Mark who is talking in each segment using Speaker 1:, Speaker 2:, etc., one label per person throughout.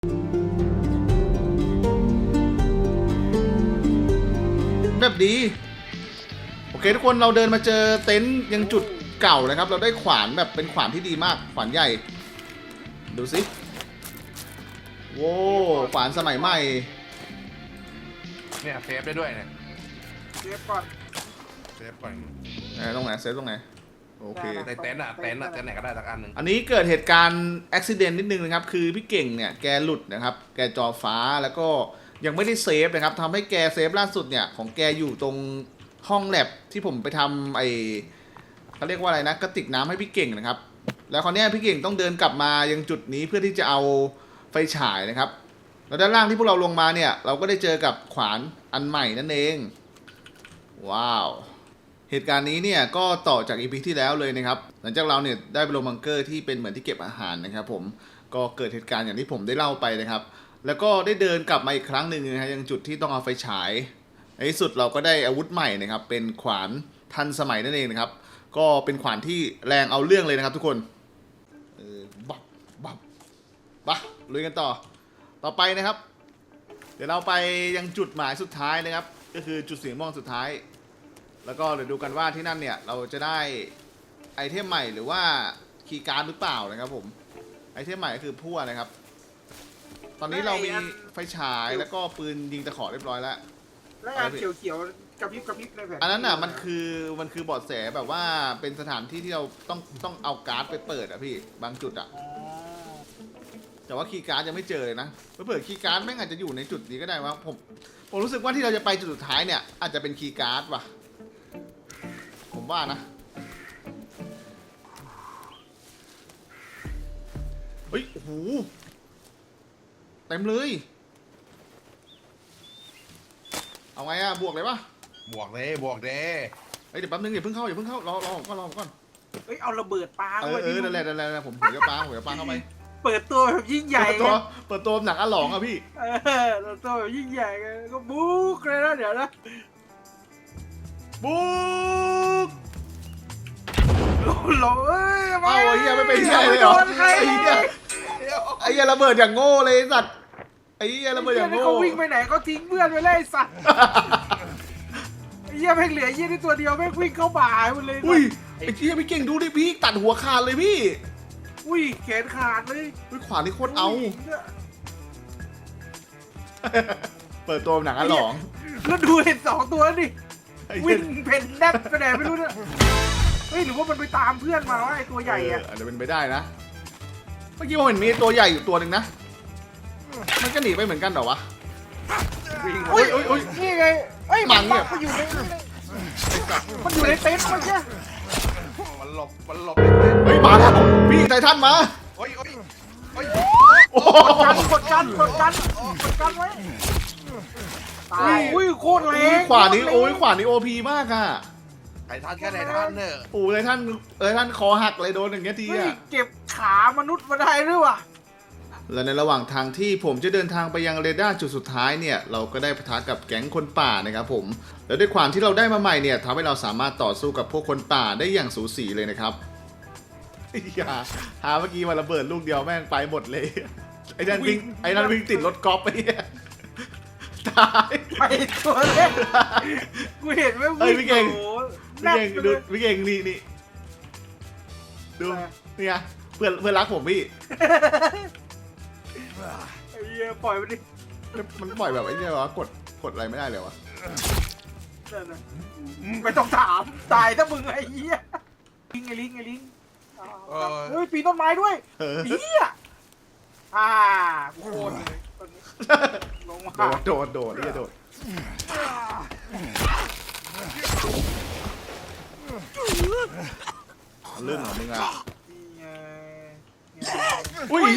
Speaker 1: แบบดีโอเคทุกคนเราเดินมาเจอเต็นท์ยังจุดเก่านะครับเราได้ขวานแบบเป็นขวานที่ดีมากขวานใหญ่ดูสิโว้ขวานสมัยใหม่
Speaker 2: เนี่ยเซฟได้ด้วยเนี่ย
Speaker 3: เซฟก่อน
Speaker 1: ตรงไหนเซฟตรงไหนโอเค
Speaker 2: ในเต็นท์ไหนก็ได้สักอันหนึ่ง
Speaker 1: อันนี้เกิดเหตุการณ์อุบิเหตุนิดนึงนะครับคือพี่เก่งเนี่ยแกหลุดนะครับแกจอฟ้าแล้วก็ยังไม่ได้เซฟนะครับทำให้แกเซฟล่าสุดเนี่ยของแกอยู่ตรงห้องแลบที่ผมไปทำเขาเรียกว่าอะไรนะกระติกน้ำให้พี่เก่งนะครับแล้วคราวนี้พี่เก่งต้องเดินกลับมายังจุดนี้เพื่อที่จะเอาไฟฉายนะครับแล้วด้านล่างที่พวกเราลงมาเนี่ยเราก็ได้เจอกับขวานอันใหม่นั่นเองว้าวเหตุการณ์นี้เนี่ยก็ต่อจากอีพีที่แล้วเลยนะครับหลังจากเราเนี่ยได้ไปลงบังเกอร์ที่เป็นเหมือนที่เก็บอาหารนะครับผมก็เกิดเหตุการณ์อย่างที่ผมได้เล่าไปนะครับแล้วก็ได้เดินกลับมาอีกครั้งหนึ่งนะฮะยังจุดที่ต้องเอาไฟฉายในที่สุดเราก็ได้อาวุธใหม่นะครับเป็นขวานทันสมัยนั่นเองนะครับก็เป็นขวานที่แรงเอาเรื่องเลยนะครับทุกคนบับลุยกันต่อไปนะครับเดี๋ยวเราไปยังจุดหมายสุดท้ายนะครับก็คือจุดสีม่วงสุดท้ายแล้วก็เดี๋ยวดูกันว่าที่นั่นเนี่ยเราจะได้ไอเทมใหม่หรือว่าคีย์การ์ดหรือเปล่านะครับผมไอเทมใหม่ก็คือพั่วนะครับตอนนี้เรามีไฟฉายแล้วก็ปืนยิงตะขอเรียบร้อยแล้ว
Speaker 3: อันเขียวกระพริบในแผ่น
Speaker 1: อันนั้นอ่ะมันคือเบาะแสแบบว่าเป็นสถานที่ที่เราต้องเอาการ์ดไปเปิดอ่ะพี่บางจุดอ่ะแต่ว่าคีย์การ์ดยังไม่เจอเลยนะเผื่อคีย์การ์ดแม่งอาจจะอยู่ในจุดนี้ก็ได้ว่าผมรู้สึกว่าที่เราจะไปจุดสุดท้ายเนี่ยอาจจะเป็นคีย์การ์ดว่ะผมว่านะเฮ้ยโอ้โหเต็มเลยเอาไงอะบวกเลยปะ
Speaker 2: บวกเลย
Speaker 1: เฮ้ยเดี๋ยวแป๊บนึงอย่าเพิ่งเข้ารอผมก่อน
Speaker 3: เฮ้ยเอาระเบิดปาเข้าไป
Speaker 1: นั่นแหละผมจะปาเข้าไป
Speaker 3: เปิดตัวแบบยิ่งใหญ่
Speaker 1: เปิดตัวหนังอะหลองอะพี่
Speaker 3: เปิดตัวแบบยิ่งใหญ่ก็บุ๊กเลยนะเดี๋ยวนะ
Speaker 1: บุ๊ก
Speaker 3: หลง
Speaker 1: เอาไอ้เหี้ยไม่เป็นเหี้ยเลยเหรอไอ้เหี้ยระเบิดอย่างโง่เลยสัตว์ไอ้เหี้ยระเบิดอย่างโง่
Speaker 3: เขาวิ่งไปไหนเขาทิ้งเพื่อนไปเลยสัตว์ไอ้เหี้ยแม่งเหลือเหี้ยที่ตัวเดียวแม่งวิ่งเข้าป่าหมดเลย
Speaker 1: อุ้ยไอ้เหี้ยพี่เก่งดูดิพี่ตัดหัวขาดเลยพี่
Speaker 3: อุ้ยแขนขาดเลย
Speaker 1: ขวานี่โคตรเอาเปิดตัวหนังอะหลอง
Speaker 3: แล้วดูเห็น2 ตัวนี่วิ่งเพนแดดไปไหนไม่รู้เนี่ยเฮ้ยหรือว่ามันไปตามเพื่อนมาว่าไอ้ตัวใหญ่อะ
Speaker 1: อาจจะเป็นไปได้นะเมื่อกี้ผมเห็นมีตัวใหญ่อยู่ตัวหนึ่งนะมันก็หนีไปเหมือนกันเหรอวะ
Speaker 3: อุ้ยนี่ไงเอ้ย
Speaker 1: มันเนี่ย
Speaker 3: มันอยู่ในเต็นท์มันใช่
Speaker 2: มันหลบ
Speaker 1: เฮ้ยมาแล้วพี่ไททันมา
Speaker 2: โอ้ย
Speaker 3: กดกันไว้ตายอุ้ยโคตรแรง
Speaker 1: ขวานี้ขวานี้โอพีมากอะ
Speaker 2: ไททันแค่ไททันเนี่ย
Speaker 1: ไททันคอหักเลยโดนอย่างเงี้ยทีอะ
Speaker 3: เก็บขามนุษย์มาได้ด้วยว่ะ
Speaker 1: และในระหว่างทางที่ผมจะเดินทางไปยังเรดาร์จุดสุดท้ายเนี่ยเราก็ได้ปะทะกับแก๊งคนป่านะครับผมแล้วด้วยความที่เราได้มาใหม่เนี่ยทำให้เราสามารถต่อสู้กับพวกคนป่าได้อย่างสูสีเลยนะครับอย่าหาเมื่อกี้มาระเบิดลูกเดียวแม่งไปหมดเลยไอ้นั่นวิ่งติดรถกอล์ฟไปตาย
Speaker 3: ไปตัวเล็กกูเห็นว่า
Speaker 1: พี่เก่งดูพี่เก่งนี่ดูนี่ไงเพื่อนรักผมพี่
Speaker 3: ไอ้เหี้ยปล่อยมันดิ
Speaker 1: มันปล่อยแบบไอ้เนี่ยวะกดอะไรไม่ได้เลยวะ
Speaker 3: ไม่ต้องถามตายถ้ามึงไอ้เหี้ยลิงเฮ้ยปีนต้นไม้ด้วยเหี้ยโคตรเลยลงมา
Speaker 1: โดดเรื่องของมึงอ่ะอุ้ย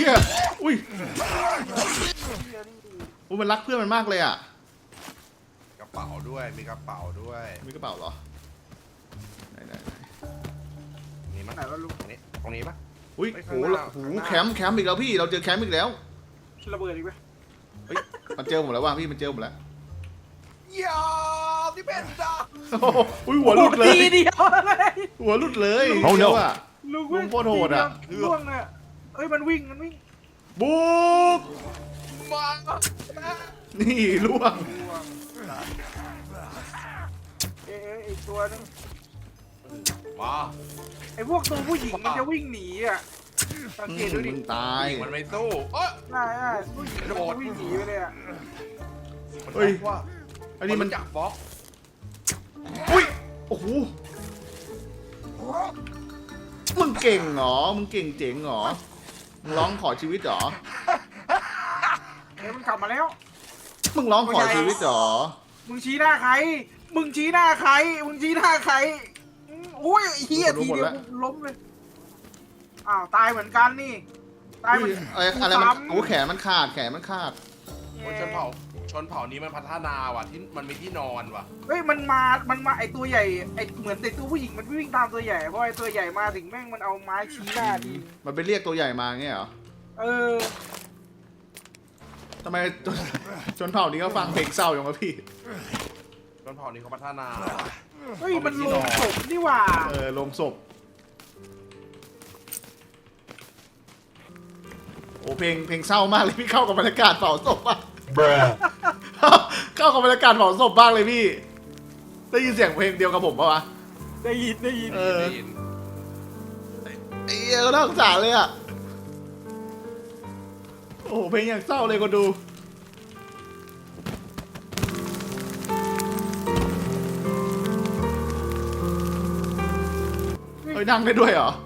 Speaker 1: มันรักเพื่อนมันมากเลยอ่ะ
Speaker 2: กระเป๋าด้วยมีกระเป๋า
Speaker 1: เหรอไหน
Speaker 2: นี่มั้ยไหนวะลุงตรงนี้ปะ
Speaker 1: อุ้ยโหแคมป์อีกแล้วพี่เราเจอแคมป์อีกแล้ว
Speaker 3: ระเบิดอีกไหม
Speaker 1: เฮ้ยมันเจอผมแล้วว่ะพี่มันเจอผมแล้ว
Speaker 2: ยาที่เป็นจ้า
Speaker 1: อุ้ยหัวหลุดเลย
Speaker 3: เดียวเลย
Speaker 1: หัวหลุดเลย
Speaker 3: โอ้โห
Speaker 1: ลุงโคตรโหดอ่ะ
Speaker 3: ล่วงเลยเอ้ยมันวิ่ง
Speaker 1: บุกนี่ล่วง
Speaker 3: อีกตัวนึง
Speaker 2: มา
Speaker 3: ไอ้พวกตัวผู้หญิงมันจะวิ่งหนีอ่ะสังเกตดูดิ
Speaker 1: มึงตาย
Speaker 2: มันไม่สู้เอ้ย
Speaker 3: ใช่ผู้หญิงมันจะวิ่งหนีไปเลยอ่ะ
Speaker 2: มัน
Speaker 1: เฮ้ย
Speaker 2: บอกว่า
Speaker 1: อันนี้มัน
Speaker 2: จับบล็อก
Speaker 1: อุ้ยโอ้โหมึงเก่งเหรอมึงเก่งเจ๋งเหรอมึงร้องขอชีวิตเหรอ
Speaker 3: เฮ้ยมันกลับมาแล้ว
Speaker 1: มึงร้องขอชีวิตเหรอ
Speaker 3: มึงชี้หน้าใคร มึงชี้หน้าใคร มึงชี้หน้าใครอุ้ยเฮียทีเดียวล้มเลยอ้าวตายเหมือนกันนี่ตายเหมือน
Speaker 1: อะไรมันโอ้แขนมันขาดแขนมันขาด
Speaker 2: โอ้ยชนเผ่านี้มันพัฒนาว่ะที่มันมีที่นอนว่ะ
Speaker 3: เฮ้ยมันมาไอตัวใหญ่ไอเหมือนไอตัวผู้หญิงมันวิ่งตามตัวใหญ่เพราะไอตัวใหญ่มาถึงแม่งมันเอาไม้ชี้หน้าที
Speaker 1: มันไปเรียกตัวใหญ่มาเงี้ยเหรอ
Speaker 3: เออ
Speaker 1: ทำไมจนเผ่านี้ก็ฟังเพลงเศร้าอย่างวะพี่
Speaker 2: ชนเผ่านี้เขาพัฒนา
Speaker 3: เฮ้ยมันลงศพนี่หว่า
Speaker 1: ลงศพโอ้เพลงเศร้ามากเลยพี่เข้ากับบรรยากาศเผาศพมาก เข้ากับบรรยากาศเผาศพมากเลยพี่ได้ยินเสียงเพลงเดียวกับผมปะวะ
Speaker 3: ได้ยิน
Speaker 2: ได้ยิน
Speaker 1: ไอ้เหี้ยก็น่าสงสารเลยอ่ะโอ้เพลงอย่างเศร้าเลยคนดูเฮ้ยนั่งได้ด้วยเหรอ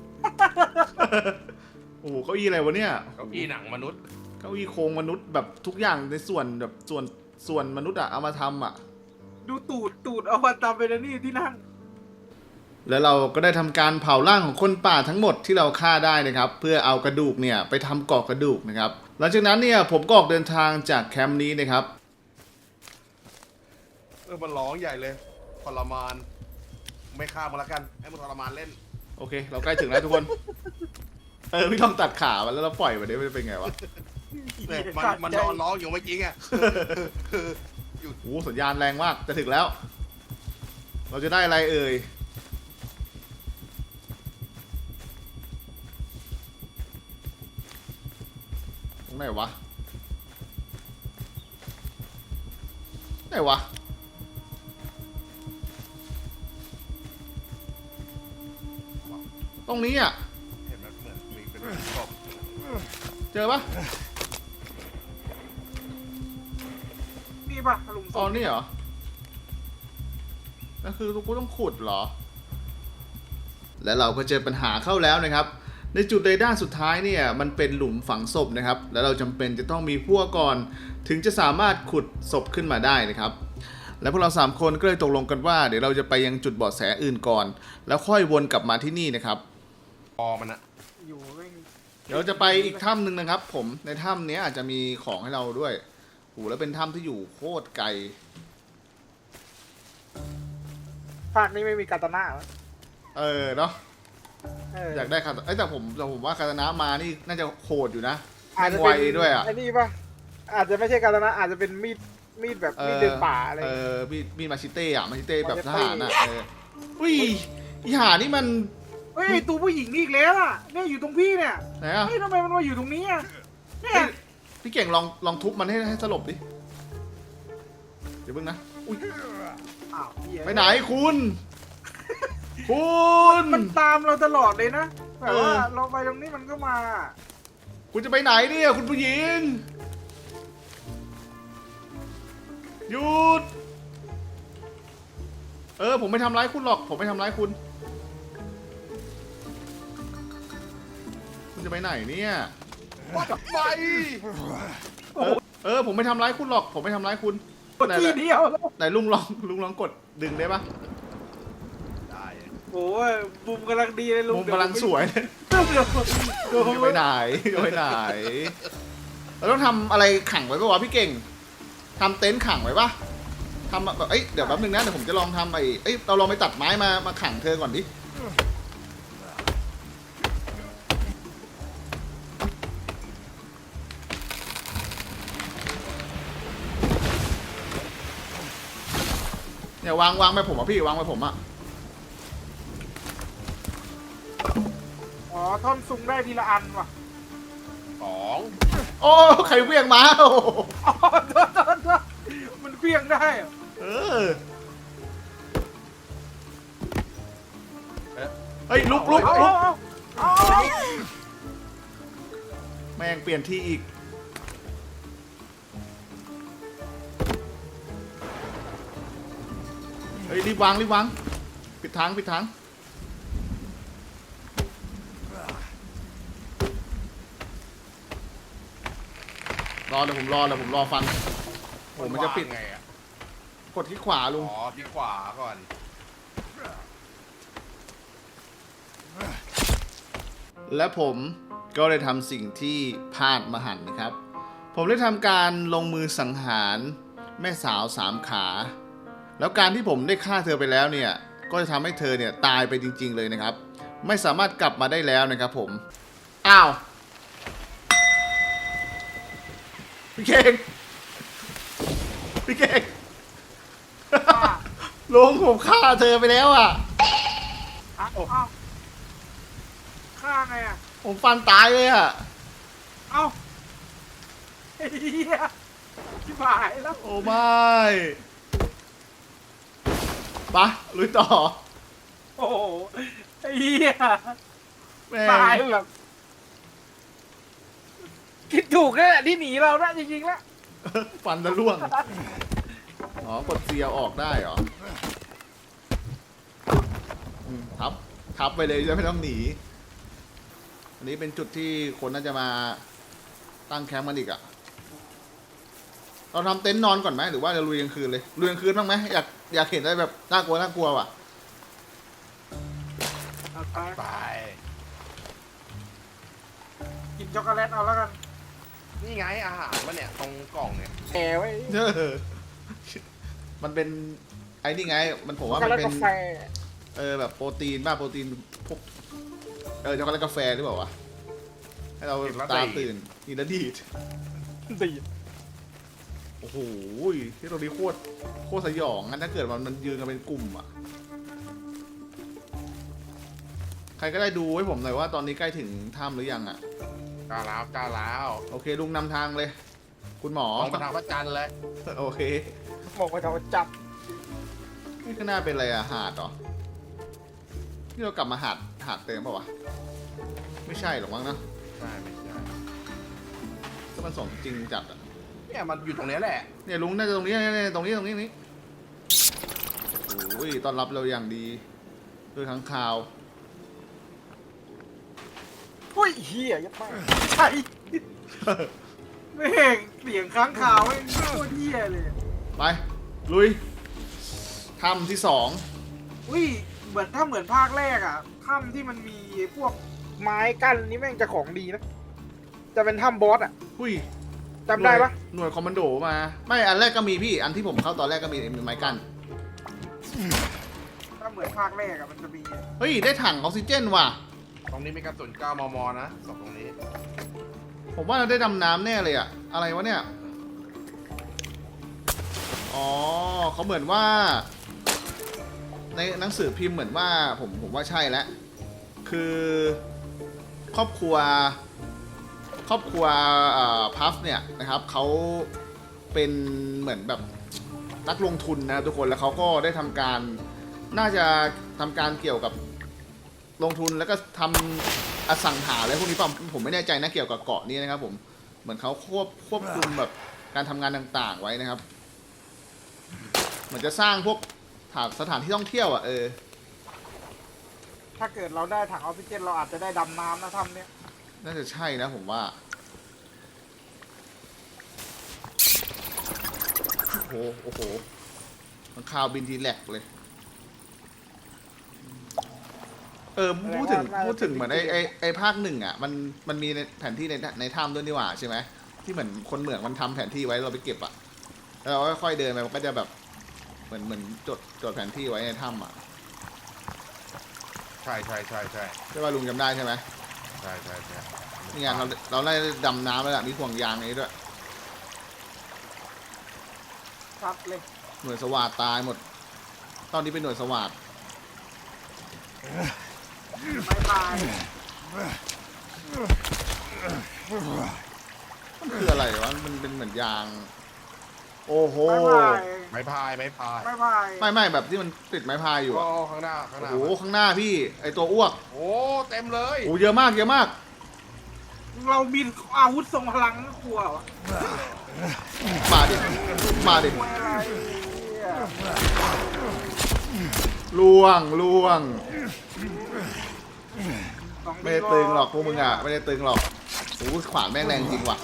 Speaker 1: โอ้โหเก้าอี้อะไรวะเนี่ย
Speaker 2: เก้าอี้หนังมนุษย์
Speaker 1: เก้าอี้โครงมนุษย์แบบทุกอย่างในส่วนแบบส่วนมนุษย์อะเอามาทำอะ
Speaker 3: ดูตูดเอามาตามไปแล้วนี่ที่นั่ง
Speaker 1: แล้วเราก็ได้ทำการเผาร่างของคนป่าทั้งหมดที่เราฆ่าได้นะครับ เพื่อเอากระดูกเนี่ยไปทำกรอกกระดูกนะครับหลังจากนั้นเนี่ยผมก็ออกเดินทางจากแคมป์นี้นะครับ
Speaker 2: มันร้องใหญ่เลยทรมานไม่ฆ่ามันละกันให้มันทรมานเล่น
Speaker 1: โอเค เราใกล้ถึงแล้วทุกคน พี่ต้องตัดขามันแล้วเราปล่อยมันได้มันจะเป็นไงวะ
Speaker 2: เนี่ยมันนอนร้องอยู่เมื่อกี้ไง
Speaker 1: โอ้โหสัญญาณแรงมากจะถึงแล้ว เราจะได้อะไรเอ่ยตรงไหนวะไหนวะตรงนี้อ่ะ
Speaker 2: เห็นมันเหมือนมีเป็นศพ
Speaker 1: เจอปะ
Speaker 3: นี่ป่ะหลุมศ
Speaker 1: อ๋อ
Speaker 3: พ
Speaker 1: นี่เหรอนั่นคือกูต้องขุดเหรอ และเราก็เจอปัญหาเข้าแล้วนะครับ ในจุดเรดาร์สุดท้ายเนี่ยมันเป็นหลุมฝังศพนะครับ แล้วเราจำเป็นจะต้องมีพวกก่อน ถึงจะสามารถขุดศพขึ้นมาได้นะครับ และพวกเรา3คนก็เลยตกลงกันว่าเดี๋ยวเราจะไปยังจุดเบาะแสอื่นก่อน แล้วค่อยวนกลับมาที่นี่นะครับ
Speaker 2: คอมันอะ
Speaker 3: อยู่แม่ง
Speaker 1: เดี๋ยวเราจะไปอีกถ้ำหนึ่งนะครับ ผมในถ้ำนี้อาจจะมีของให้เราด้วยโหแล้วเป็นถ้ำที่อยู่โคตรไกล
Speaker 3: ภาคนี้ไม่มีกาตาน่าเหรอ
Speaker 1: เนาะ
Speaker 3: เออ
Speaker 1: อยากได้คาตาแต่ผมว่าคาตานะมานี่น่าจะโหดอยู่นะ
Speaker 3: อาจจะ
Speaker 1: แม่งไว
Speaker 3: เป็น
Speaker 1: ด้วยอ่ะ
Speaker 3: ไอ้นี่ป่ะอาจจะไม่ใช่กาตาน่าอาจจะเป็นมีดแบบมีดเดินป่าอะไร
Speaker 1: มีมาชิเต้อะมาชิเต้แบบ
Speaker 3: มาชิ
Speaker 1: ท
Speaker 3: เต้
Speaker 1: หารอ่ะอุ้ยอีหานี่มัน
Speaker 3: เฮ้ยไอ้ตัวผู้หญิงนี่อีกแล้วอ่ะเนี่ยอยู่ตรงพี่เนี่ย
Speaker 1: ไหนอ่ะ
Speaker 3: เฮ้ยทำไมมันมาอยู่ตรงนี้อ่ะเนี่ย
Speaker 1: พี่เก่งลองทุบมันให้สลบดิเดี๋ยวเพิ่งนะอุ้ย
Speaker 3: อ้าวเหี้ย
Speaker 1: ไปไหนคุณ คุณ
Speaker 3: มันตามเราตลอดเลยนะแบบว่า
Speaker 1: เออ
Speaker 3: เราไปตรงนี้มันก็มา
Speaker 1: คุณจะไปไหนเนี่ยคุณผู้หญิงหยุดผมไม่ทำร้ายคุณหรอกผมไม่ทำร้ายคุณคุณจะไปไหนเนี่ย
Speaker 2: ว่าไป
Speaker 1: ผมไม่ทำร้ายคุณหรอกผมไม่ทำร้ายคุณไหน
Speaker 3: ทีเดียวแล้ว
Speaker 1: ไหนลุงลองกดดึงได้ปะ
Speaker 2: ได้
Speaker 3: โอ้ยมุมกำลังดีเลยลุง
Speaker 1: มุมกำลังสวยเลย
Speaker 3: เดี๋ยว
Speaker 1: จะไปไหนจะไปไหนเราต้องทำอะไรขังไว้ปะวะพี่เก่งทำเต็นท์ขังไว้ปะทำแบบเดี๋ยวแป๊บนึงนะเดี๋ยวผมจะลองทำเราลองไปตัดไม้มาขังเธอก่อนดิเนี่ยวางไปผมอ่ะพี่วางไปผมอ่ะ
Speaker 3: อ๋อท่อนซุงได้ทีละอันว่ะ
Speaker 2: สอง
Speaker 1: โอ้ใครเวียงมาโอ้
Speaker 3: อ๋อโทษช่เหรอ
Speaker 1: เออเฮ้ยลุก
Speaker 3: เอาเอา
Speaker 1: แม่งเปลี่ยนที่อีกเฮ้ยรีบวางปิดทางรอเดี๋ยวผมรอฟันโอ้มันจะปิด
Speaker 2: ไงอ่ะ
Speaker 1: กดที่ขวาลุง
Speaker 2: อ๋อที่ขวาก่อน
Speaker 1: และผมก็ได้ทำสิ่งที่พลาดมหันต์นะครับ ผมได้ทำการลงมือสังหารแม่สาว3 ขา แล้วการที่ผมได้ฆ่าเธอไปแล้วเนี่ย ก็จะทำให้เธอเนี่ยตายไปจริงๆเลยนะครับ ไม่สามารถกลับมาได้แล้วนะครับผม อ้าว พี่เก่งลุงผมฆ่าเธอไปแล้วอ่ะ
Speaker 3: เอาฆ่าไงอ่ะ
Speaker 1: ผมฟันตายเลยอ่ะ
Speaker 3: เอาไอ้เหี้ยชิบหายแล้ว
Speaker 1: โอ้ไม่ปะลุยต่อ
Speaker 3: โอ้โหไอ้เหี้ย
Speaker 1: แม่ง
Speaker 3: ตายแบบคิดถูกแล้วแหละที่หนีเรานะจริงๆแล้ว
Speaker 1: ฟันจะร่วง อ๋อกดเสียออกได้เหรอทับไปเลยจะไม่ต้องหนี อันนี้เป็นจุดที่คนน่าจะมาตั้งแคมป์กันอีกอะเราทำเต็นท์นอนก่อนไหมหรือว่าจะลุยกลางคืนเลยลุยกลางคืนบ้างไหมอยากเห็นอะไรแบบน่ากลัวว่ะ
Speaker 3: เอาไป
Speaker 2: ไป
Speaker 3: กินช็อกโกแลตเอาแล้วกัน
Speaker 2: นี่ไงอาหารวะเนี่ยตรงกล่องเนี่ย
Speaker 3: แหมไว้
Speaker 1: เออมันเป็นไอ้นี่ไง มันผม
Speaker 3: ช็อก
Speaker 1: ว่า
Speaker 3: โก
Speaker 1: มัน
Speaker 3: แลต
Speaker 1: เป็น
Speaker 3: กาแฟ
Speaker 1: แบบโปรตีนโปรตีนพวกช็อกโกแลตกาแฟหรือเปล่าวะให้เราตาตื่นกินแล้วดีด
Speaker 3: ดี
Speaker 1: โอ้โหที่ตรงนี้โคตรสยองงั้นถ้าเกิดมันยืนกันเป็นกลุ่มอ่ะใครก็ได้ดูให้ผมหน่อยว่าตอนนี้ใกล้ถึงถ้ำหรือยังอ่ะ
Speaker 2: กล้าแล้ว
Speaker 1: โอเคลุงนำทางเลย คุณหมอ
Speaker 2: มองไปทางพระจันทร์เลย
Speaker 1: โอเค
Speaker 3: บอกว่าจะเอาจับ
Speaker 1: นี่ข้างหน้าเป็นอะไรอะหาดเหรอนี่เรากลับมาหาดเติมเปล่าวะไม่ใช่หรอกมั้งนะ
Speaker 2: ใช่ไม่ใช่
Speaker 1: ก็มันสมจริงจัดอะ
Speaker 2: เนี่ยมันอยู่ตรงเนี้ยแหละ
Speaker 1: เนี่ยลุงน่าจะตรงนี้เนี่ยตรงนี้นี่โอ้ยต้อนรับเราอย่างดีด้วยค้างคาว
Speaker 3: อุ้ยเหี้ยยัดไปใช่แม่งเสียงค้างคาวแม่งโคตรเหี้ยเลย
Speaker 1: ไปลุยถ้ำที่
Speaker 3: อุ้ยเหมือนภาคแรกอ่ะถ้ำที่มันมีพวกไม้กั้นนี่แม่งจะของดีนะจะเป็นถ้ำบอสอ่ะ
Speaker 1: หุ้ย
Speaker 3: จำได้ปะ
Speaker 1: หน่วยคอมมานโดมา ไม่อันแรกก็มีพี่อันที่ผมเข้าตอนแรกก็มีไม้กั้น
Speaker 3: ถ้าเหมือนภาคแรกอ่ะมันจะมี
Speaker 1: เฮ้ยได้ถังออกซิเจนว่ะ
Speaker 2: ตรงนี้มีกระสุน9 มมนะสองตรงนี้
Speaker 1: ผมว่าเราได้ดำน้ำแน่เลยอะอะไรวะเนี่ยอ๋อเขาเหมือนว่า ในหนังสือพิมพ์เหมือนว่าผมว่าใช่แล้วคือครอบครัวพัฟเนี่ยนะครับเขาเป็นเหมือนแบบนักลงทุนนะทุกคนแล้วเขาก็ได้ทำการน่าจะทำการเกี่ยวกับลงทุนแล้วก็ทำอสังหาอะไรพวกนี้ป่ะผมไม่แน่ใจนะเกี่ยวกับเกาะนี้นะครับผมเหมือนเขาควบคุมแบบการทำงานต่างๆไว้นะครับเหมือนจะสร้างพวกสถานที่ท่องเที่ยวอ่ะ
Speaker 3: ถ้าเกิดเราได้ถังออกซิเจนเราอาจจะได้ดำน้ำนะถ้ำเนี้ย
Speaker 1: น่าจะใช่นะผมว่าโอ้โหมันข่าวบินทีแหลกเลยพูดถึงเหมือนไอ้ภาคหนึ่งอ่ะมันมีในแผนที่ในถ้ำด้วยนี่หว่าใช่ไหมที่เหมือนคนเหมืองมันทำแผนที่ไว้เราไปเก็บอ่ะแล้วเราค่อยๆเดินไปมันก็จะแบบเหมือนจดแผนที่ไว้ในถ้ำอ่ะ
Speaker 2: ใช่
Speaker 1: ใช่ป่ะลุงจำได้ใช่ไหม
Speaker 2: ใช่
Speaker 1: นี่ไงเราได้ดำน้ำแล้วล่ะมีห่วงยางนี้ด้วย
Speaker 3: ซัดเลย
Speaker 1: หน่วยสวัสดตายหมด ตอนนี้เป็นหน่วยสวัสด
Speaker 3: ไม่ตาย
Speaker 1: มันคืออะไรวะมันเป็นเหมือนยางโอ้โห
Speaker 3: ไม่พาย
Speaker 2: ไม้พาย
Speaker 3: ไม่พาย
Speaker 1: ไม่แบบที่มันติดไม้พายอยู่
Speaker 2: โอ้
Speaker 1: อะ
Speaker 2: ข้างหน้าข้างห
Speaker 1: โอ้
Speaker 2: น้า
Speaker 1: โหข้างหน้าพี่ไอตัวอ้วก
Speaker 2: โอ้เต็มเลย
Speaker 1: โอ้เยอะมากเยอะมาก
Speaker 3: เรามีอาวุธทรงพลังก็กลัววะ
Speaker 1: มาดิมาดิ
Speaker 3: กลัวอะไรเนี่ย
Speaker 1: ล่วงล่วง
Speaker 3: สอง
Speaker 1: ไม่ได้ตึงหรอกพวกมึงอ่ะไม่ได้ตึงหรอกโอ้โหขวานแม่งแรงจริงว่ะ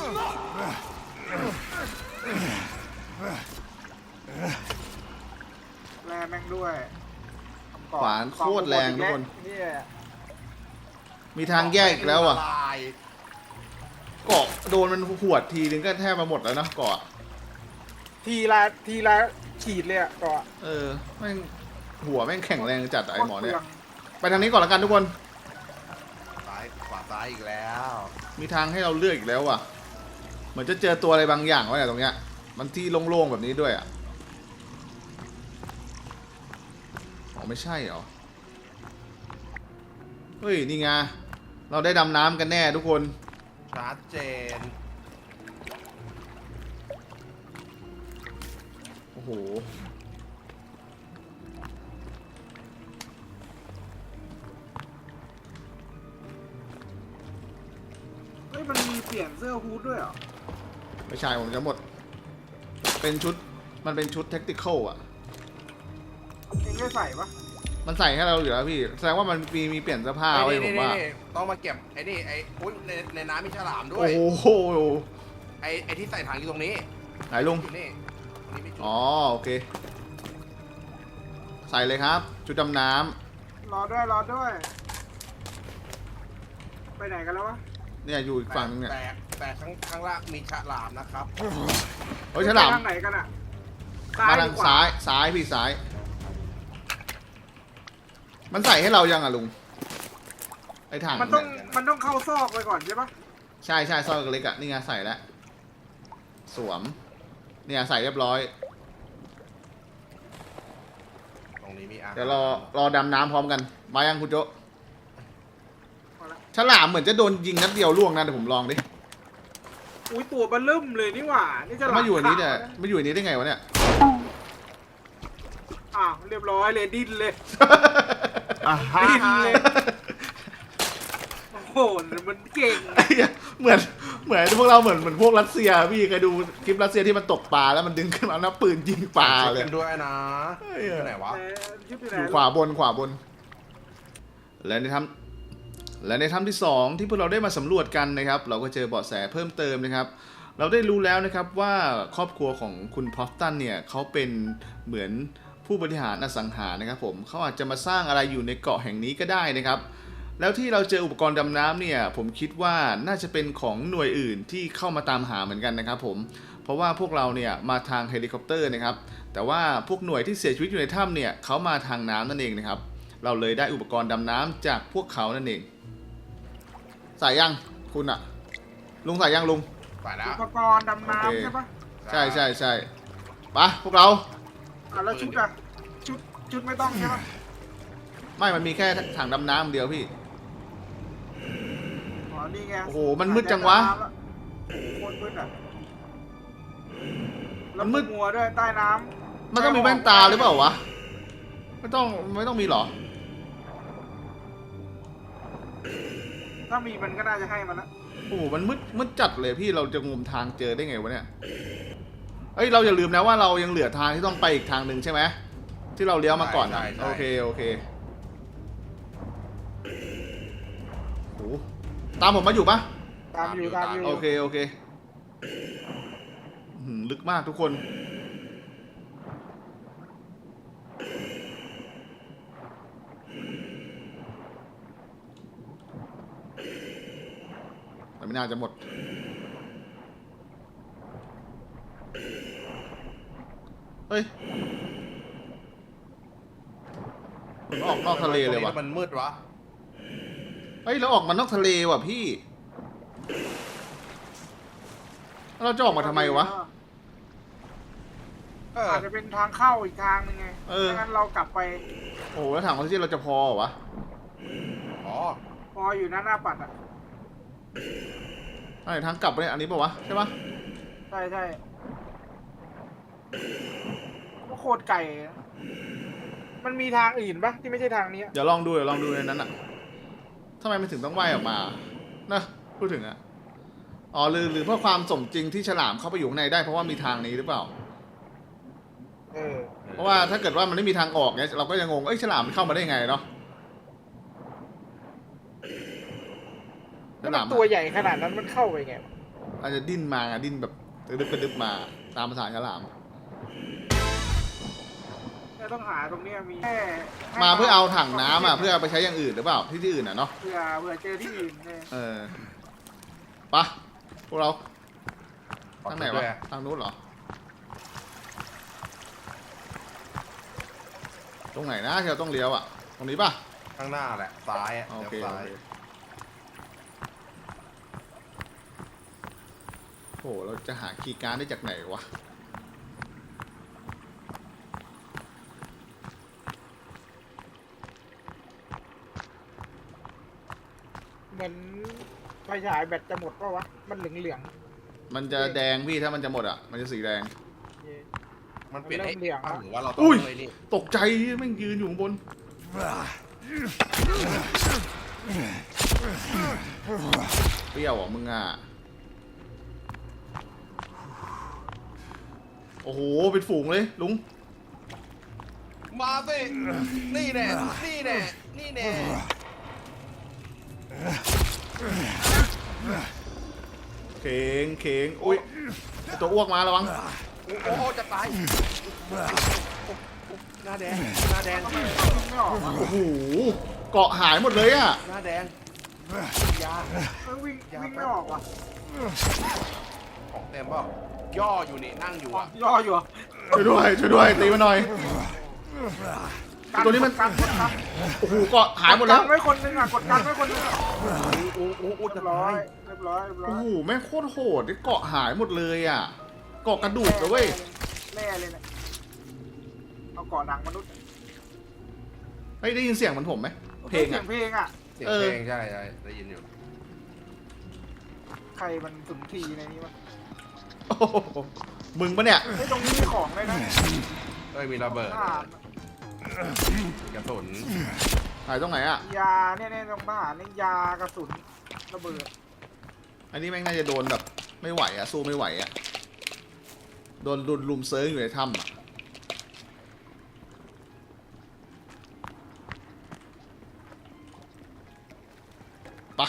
Speaker 3: แรงแม่งด้วยทำก่อ
Speaker 1: ขวานโคตรแรงทุกคน
Speaker 3: เนี่ย
Speaker 1: มีทางแยกอีกแล้วอ่ะ
Speaker 2: ลาย
Speaker 1: เกาะโดนมันหวดทีนึงก็แทบมาหมดแล้วนะเกาะ
Speaker 3: ทีละขีดเลยอ่ะก่อน
Speaker 1: เออแม่งหัวแม่งแข็งแรงจัดอะไอหมอเนี่ยไปทางนี้ก่อนละกันทุกคน
Speaker 2: ซ้ายขวาซ้ายอีกแล้ว
Speaker 1: มีทางให้เราเลือกอีกแล้วว่ะเหมือนจะเจอตัวอะไรบางอย่างวะเนี่ยตรงเนี้ยมันที่โล่งๆแบบนี้ด้วยอ่ะอ๋อไม่ใช่เหรอเฮ้ยนี่ไงเราได้ดำน้ำกันแน่ทุกคน
Speaker 2: ชัดเจน
Speaker 1: โอ้โห
Speaker 3: เฮ้ยมันมีเปลี่ยนเสื้อฮูดด้วยเหรอ
Speaker 1: ไม่ใช่ผมจะหมดเป็นชุดมันเป็นชุดเทคนิคอลอ่ะ
Speaker 3: เองได้ใส่ปะ
Speaker 1: มันใส่ให้เราอยู่แล้วพี่แสดงว่ามันมีเปลี่ยนเสื้อผ้าไว้ผมว่า
Speaker 2: ต้องมาเก็บไอ้นี่ไอ้อุ้ยในน้ำมีฉลามด้ว
Speaker 1: โอ้
Speaker 2: ย
Speaker 1: โห
Speaker 2: ไอ้ที่ใส่ถังอยู่ตรงนี้
Speaker 1: ไหนลุง
Speaker 2: อยู่นี่ตรงนี้ไม่จุด
Speaker 1: อ๋อโอเค ใส่เลยครับ ชุดดำน้
Speaker 3: รอด้วย ไปไหนกันแล้ววะ
Speaker 1: ำเนี่ยอยู่อีกฝั่งนึงเนี่ย
Speaker 2: แต่ข้างล่างมีฉลามนะครับ
Speaker 1: เฮ้ยฉลาม
Speaker 3: ไปทางไหนกันอ่ะ
Speaker 1: มาทาง
Speaker 3: หรือขว
Speaker 1: ซ้ายพี่ซ้าย มันใส่ให้เรายังอ่ะลุงไอ้ถัง
Speaker 3: มันต้องเข้าซอกไปก่อนใช่ปะ
Speaker 1: ใช่ซอยเล็กๆอ่ะนี่ไงใส่แล้วสวมเนี่ยใส่เรียบร้อย
Speaker 2: ตรงนี้มีอาหาร
Speaker 1: เดี๋ยวรอดำน้ำพร้อมกันมายังคุณโจ
Speaker 3: เอาละ
Speaker 1: ฉลามเหมือนจะโดนยิงนัดเดียวล่วงนะเดี๋ยวผมลองดิ
Speaker 3: อุ้ยตัวมันเริ่มเลยนี่หว่านี่จะ
Speaker 1: มาอยู่อันนี้เนี่ยมาอยู่อันนี้ได้ไงวะเนี่ย
Speaker 3: อ้าวเรียบร้อยเลยดิ้นเลย
Speaker 2: อ่ะ
Speaker 3: ดิ้นเลยโอ้โหมันเก่ง
Speaker 1: ไอ้เหี้ยเหมือนพวกเราเหมือนพวกรัสเซียพี่เคยดูคลิปรัสเซียที่มันตกปลาแล้วมันดึงขึ้นมาแล้วปืนยิงปลาเลย
Speaker 2: กันด้วยนะ
Speaker 1: เฮ้ย
Speaker 2: อยู่ไหนวะ
Speaker 3: ชุดที่ไหน
Speaker 1: อยู่ขวาบน และในถ้ำที่สองที่พวกเราได้มาสำรวจกันนะครับ เราก็เจอเบาะแสเพิ่มเติมนะครับ เราได้รู้แล้วนะครับว่าครอบครัวของคุณพอฟตันเนี่ยเขาเป็นเหมือนผู้บริหารอสังหานะครับผมเขาอาจจะมาสร้างอะไรอยู่ในเกาะแห่งนี้ก็ได้นะครับ แล้วที่เราเจออุปกรณ์ดำน้ำเนี่ยผมคิดว่าน่าจะเป็นของหน่วยอื่นที่เข้ามาตามหาเหมือนกันนะครับผมเพราะว่าพวกเราเนี่ยมาทางเฮลิคอปเตอร์นะครับแต่ว่าพวกหน่วยที่เสียชีวิตอยู่ในถ้ำเนี่ยเขามาทางน้ำนั่นเองนะครับเราเลยได้อุปกรณ์ดำน้ำจากพวกเขานั่นเองใส่ยังคุณอะลุงใส่ยังลุง
Speaker 2: ไปแล้
Speaker 3: อุ
Speaker 2: ว
Speaker 3: ปกรณ์ดำน้ำใช่ปะ
Speaker 1: ใช่ไปพวกเรา
Speaker 3: แล้วชุดอะชุดไม่ต้องใช่ปะ
Speaker 1: ไม่มันมีแค่ถังดำน้ำเดียวพี่
Speaker 3: อ๋อนี่ไง
Speaker 1: โอ้โหมันมืดจังวะ
Speaker 3: โคตรมืดอ่ะ
Speaker 1: มันมืด
Speaker 3: มัวด้วยใต้น้ำ
Speaker 1: มันต้องมีแว่นตาหรือเปล่าวะไม่ต้องมีหรอ
Speaker 3: ถ้ามีมันก็น่าจะให้มันละ
Speaker 1: โอ้โหมันมืดจัดเลยพี่เราจะงมทางเจอได้ไงวะเนี่ยเอ้ยเราอย่าลืมนะว่าเรายังเหลือทางที่ต้องไปอีกทางหนึ่งใช่ไหมที่เราเลี้ยวมาก่อนนะโอเคโอ้โหตามผมมาอยู่ปะ
Speaker 3: ตามอยู่
Speaker 1: โอเคลึกมากทุกคนแต่ไม่น่าจะหมดเฮ้ยมันออกนอกทะเลเลยวะ
Speaker 2: มันมืดวะ
Speaker 1: เฮ้ยเราออกมานอกทะเลว่ะพี่แล้วเราจะออกมาทำไมวะ
Speaker 3: อาจจะเป็นทางเข้าอีกทางนึงไงไม่งั้นเรากลับไป
Speaker 1: โอ้โหแล้วถังออกซิเจนเราจะพอเหรอวะ
Speaker 2: อ๋อ
Speaker 3: พออยู่หน้าปัดอ่ะ
Speaker 1: ไอ้ทางกลับไปเนี่ยอันนี้ป่าวะใช่ปะ
Speaker 3: ใช่ก็โคตรไก่นะมันมีทางอื่นปะที่ไม่ใช่ทางนี้
Speaker 1: เดี๋ยวลองดูในนั้นอ่ะทำไมมันถึงต้องว่ายออกมานะพูดถึงอ่ะอ๋อหรือเพื่อความสมจริงที่ฉลามเข้าไปอยู่ข้างในได้เพราะว่ามีทางนี้หรือเปล่า เพราะว่าถ้าเกิดว่ามันไม่มีทางออกเนี่ยเราก็จะงงฉลามมันเข้ามาได้ไงเนาะ
Speaker 3: แล้วมันตัวใหญ่ขนาดนั้นมันเข้าไปไงวะ
Speaker 1: อาจจะดิ้นมาดิ้นแบบกระดึบมาตามภาษาฉลาม
Speaker 3: เราต้องหาตรงเนี้ยมีแค่
Speaker 1: มาเพื่อเอาถังน้ำอ่ะเพื่อเอาไปใช้อย่างอื่นหรือเปล่าที่อื่นอ่ะเนาะ
Speaker 3: เผื่อเจอที่อื่นเนี่ย
Speaker 1: ปะพวกเราทางไหนวะทางนู้นเหรอตรงไหนนะที่เราต้องเลี้ยวอ่ะตรงนี้ปะ
Speaker 2: ข้างหน้าแหละซ้ายอ่ะ
Speaker 1: โอ
Speaker 2: เดี๋ยว
Speaker 1: เค
Speaker 2: ซ้าย
Speaker 1: โหเราจะหาคีย์การ์ดได้จากไหนวะ
Speaker 3: เหมือนไฟฉายแบตจะหมดปะวะมันเหลือง
Speaker 1: มันจะแดงพี่ถ้ามันจะหมดอ่ะมันจะสีแดง
Speaker 3: ๆ
Speaker 2: มันเปลี่ยน
Speaker 3: เริ่
Speaker 2: ให้
Speaker 3: มเหลือง
Speaker 2: อ้า
Speaker 3: แล้ว ว
Speaker 2: หรือว่าเราต้อง
Speaker 1: อุ้ย
Speaker 2: เลยนี่
Speaker 1: ตกใจแม่งยืนอยู่ข้างบนเปรี้ยวอ่ะมึงอ่ะโอ้โหเป็นฝูงเลยลุง
Speaker 2: มาสินี่แน่นี่แน่นี่แน่
Speaker 1: เข่งอุ้ยไอ้ตัวอ้วกมาระวัง
Speaker 2: โอ้โหจะตายหน้าแดงหน้าแดง
Speaker 3: ไม่ออกวะ
Speaker 1: โอ้โหเกาะหายหมดเลยอ่ะ
Speaker 2: หน้าแดงยา
Speaker 3: วิ่งไม่ออกว่ะ
Speaker 2: ของเต็มเปล่าย่ออยู่นี่นั่งอยู่อ่ะ
Speaker 3: ย่ออยู่อะ
Speaker 1: ช่วยด้วยตีมาหน่อย ตัวนี้มัน
Speaker 3: กดกัน
Speaker 1: โอ้โหเกาะหายหมดแล้ว
Speaker 3: กกันไว้คนนึงอ่ะกดกันไว้คนนึงอะ
Speaker 2: โอ้โห
Speaker 3: เรี
Speaker 2: จะ
Speaker 3: ยบร้อ
Speaker 2: ตาย ย
Speaker 3: เรียบร้อย
Speaker 1: โอ้โหแม่งโคตรโหดที่เกาะหายหมดเลยอ่ะเกาะกระดูกเลยเว้ย
Speaker 3: แน่เลยเนี่ยเอาเกาะหนังมนุษย์
Speaker 1: เฮ้ยได้ยินเสียงเหมือนผมไหมเพลง
Speaker 3: เสี
Speaker 1: อ่ะ
Speaker 3: ยงเพลงอ่ะ
Speaker 2: เสียงเพลงใช่ได้ยินอยู่
Speaker 3: ใครมันสุนทรีในนี้วะ
Speaker 1: โอ้โหมึงปะเนี่ย
Speaker 3: ไอ้ยตรงนี้มีของเลยนะ
Speaker 2: เอ้ยมีระเบิด
Speaker 3: ทหาร
Speaker 2: กระสุน
Speaker 1: หายตรงไหนอ่ะ
Speaker 3: ยาเนี่ยตรงทหารนี่ยากระสุนระเบิด
Speaker 1: อันนี้แม่งน่าจะโดนแบบไม่ไหวอ่ะสู้ไม่ไหวอ่ะโดนลุมเซิร์งอยู่ในถ้ำอ่ะปะ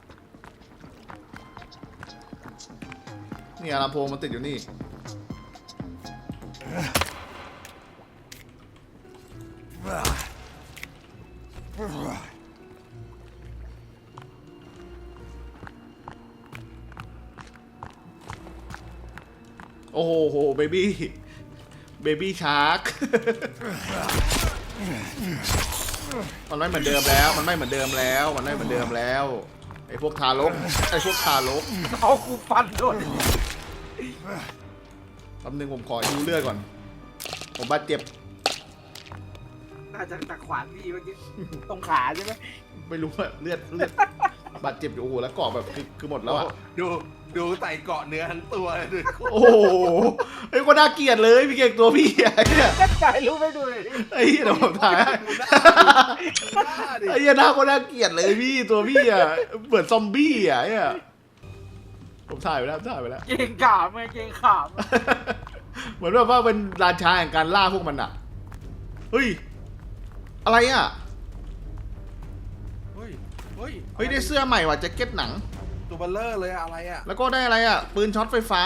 Speaker 1: เนี่ยลำโพงมันติดอยู่นี่ โอ้โหเบบี้ชาร์ก มันไม่เหมือนเดิมแล้วไอ้พวกทารก
Speaker 3: เอาคูฟันโดน
Speaker 1: แป๊บนึงผมขอฮิวเลือดก่อนผมบาดเจ็บ
Speaker 3: น่าจะตะขวานพี่เมื่อกี้ตรงขาใช่ไหม
Speaker 1: ไม่รู้ว่าเลือดบาดเจ็บอยู่โอ้โหแล้วเกาะแบบคือหมดแล้วอ่ะ
Speaker 2: ดูใส่เกาะเนื้อทั้งตัวเลยดู
Speaker 1: โอ้โหไอ้ก็น่าเกลียดเลยพี่เก่งตัวพี่ไอ้เนี่ย
Speaker 3: ถ่ายรูปให้ดูเลยดิ
Speaker 1: ไอ้เหี้ยเดี๋ยวผมถ่ายให้
Speaker 2: หน้าดิ
Speaker 1: ไอ้เหี้ยหน้าก็น่าเกลียดเลยพี่ตัวพี่อ่ะเหมือนซอมบี้อ่ะเนี่ยผมถ่ายไปแล้ว
Speaker 3: เก่งขามไงเก่งขาม
Speaker 1: เหมือนแบบว่าเป็นราชาแห่งการล่าพวกมันอ่ะเฮ้ยอะไรอ่ะ
Speaker 2: เฮ้ย
Speaker 1: เฮ้ยได้เสื้อใหม่ว่ะแจ็คเก็ตหนัง
Speaker 2: ตัวเบลเลอร์เลยอะไรอ่ะ
Speaker 1: แล้วก็ได้อะไรอ่ะปืนช็อตไฟฟ้า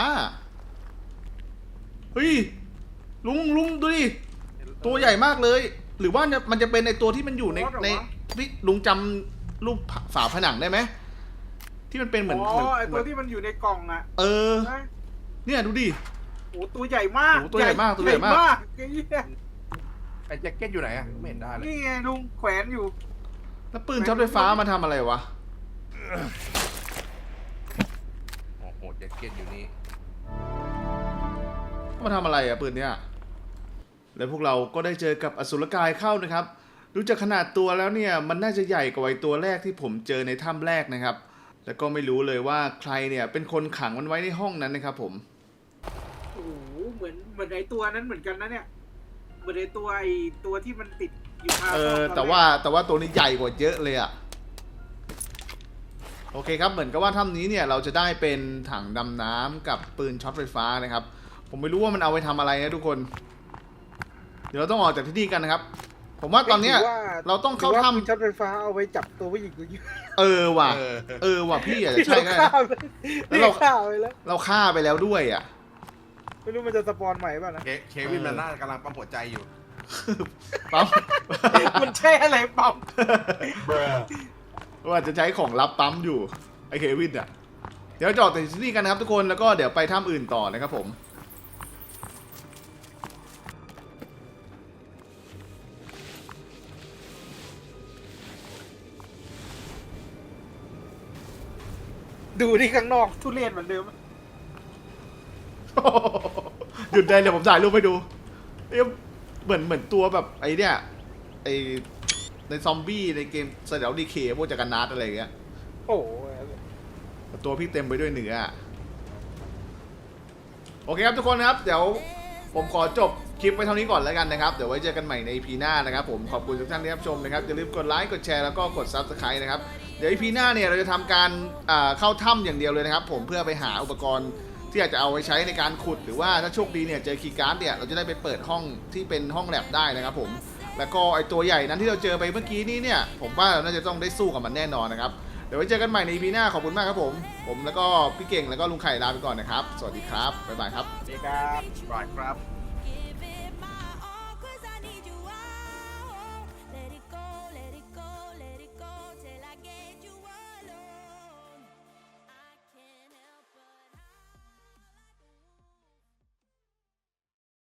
Speaker 1: เฮ้ยลุงดูดิตัวใหญ่มากเลย หรือว่ามันจะเป็นในตัวที่มันอยู่ในพี่ลุงจำรูปฝาผนังได้ไหมที่มันเป็นเหมือน
Speaker 3: อ๋อไอตัวที่มันอยู่ในกล่องอ่ะ
Speaker 1: เนี่ยดูดิ
Speaker 3: โอ้ตัวใหญ่มาก
Speaker 1: โอ้ตัวใหญ่มากไอ้เหี้ย
Speaker 2: ไอ้แจ็คเก็ตอยู่ไหนอ่ะไม่เห็นได้เลย
Speaker 3: นี่ไงลุงแขวนอยู่
Speaker 1: แล้วปืนช็อตไฟฟ้ามาทำอะไรวะ
Speaker 2: โอ้โหแจ็คเก็ตอยู่นี่
Speaker 1: มาทำอะไรอะปืนเนี้ยแล้วพวกเราก็ได้เจอกับอสุรกายเข้านะครับดูจากขนาดตัวแล้วเนี่ยมันน่าจะใหญ่กว่าไอ้ตัวแรกที่ผมเจอในถ้ำแรกนะครับแล้วก็ไม่รู้เลยว่าใครเนี่ยเป็นคนขังมันไว้ในห้องนั้นนะครับผม
Speaker 3: โอ้โหเหมือนไอตัวนั้นเหมือนกันนะเนี่ยเหมือนไอตัวที่มันติดอยู่คา
Speaker 1: แต่ว่าตัวนี้ใหญ่กว่าเยอะเลยอะโอเคครับเหมือนกับว่าถ้ำนี้เนี่ยเราจะได้เป็นถังดำน้ำกับปืนช็อตไฟฟ้านะครับผมไม่รู้ว่ามันเอาไปทำอะไรนะทุกคนเดี๋ยวเราต้องออกจากที่นี่กันนะครับ ผมว่าตอนเนี้ยเราต้องเข้าถ้ำ
Speaker 3: ช็อตไฟฟ้าเอาไว้จับตัวผู้หญิงกูยิง
Speaker 1: ว่ะพี่อาจจะใช่ก็ได้
Speaker 3: แล้วเราฆ่าไปแล้ว
Speaker 1: เราฆ่าไปแล้วด้วยอ่ะ
Speaker 3: ไม่รู้มันจะสปอนใหม่ป่ะนะ
Speaker 2: เควินมันน่ากำลังปั๊มหัวใจอยู่
Speaker 1: ปั๊ม
Speaker 3: มันใช่อะไรปั๊ม
Speaker 1: ว่าจะใช้ของลับปั๊มอยู่ไอเควินอ่ะเดี๋ยวจอดที่นี่กันนะครับทุกคนแล้วก็เดี๋ยวไปถ้ำอื่นต่อนะครับผม
Speaker 3: ดูที่ข้างนอกทุเรศเหมือนเดิม
Speaker 1: หยุดได้เลยผมถ่ายรูปให้ดูเอ๊ะเหมือนตัวแบบไอเนี่ยไอในซอมบี้ในเกมเซเดลดีเคพวกจักรนาดอะไรอย่างเงี้ย
Speaker 3: โอ้โห
Speaker 1: ตัวพี่เต็มไปด้วยเนื้อโอเคครับทุกคนครับเดี๋ยวผมขอจบคลิปไว้เท่านี้ก่อนแล้วกันนะครับเดี๋ยวไว้เจอกันใหม่ใน EP หน้านะครับผมขอบคุณทุกท่านที่รับชมนะครับอย่าลืมกดไลค์กดแชร์แล้วก็กด Subscribe นะครับเดี๋ยว EP หน้าเนี่ยเราจะทำการเข้าถ้ำอย่างเดียวเลยนะครับผมเพื่อไปหาอุปกรณ์ที่อยากจะเอาไว้ใช้ในการขุดหรือว่าถ้าโชคดีเนี่ยเจอคีย์การ์ดเนี่ยเราจะได้ไปเปิดห้องที่เป็นห้องแลบได้นะครับผมแล้วก็ไอตัวใหญ่นั้นที่เราเจอไปเมื่อกี้นี้เนี่ยผมว่าเราน่าจะต้องได้สู้กับมันแน่นอนนะครับเดี๋ยวไว้เจอกันใหม่ใน EP หน้าขอบคุณมากครับผมแล้วก็พี่เก่งแล้วก็ลุงไข่ลาไปก่อนนะครับสวัสดีครับบ๊ายบายครับ
Speaker 3: สวัสดีครับ
Speaker 2: right ครับ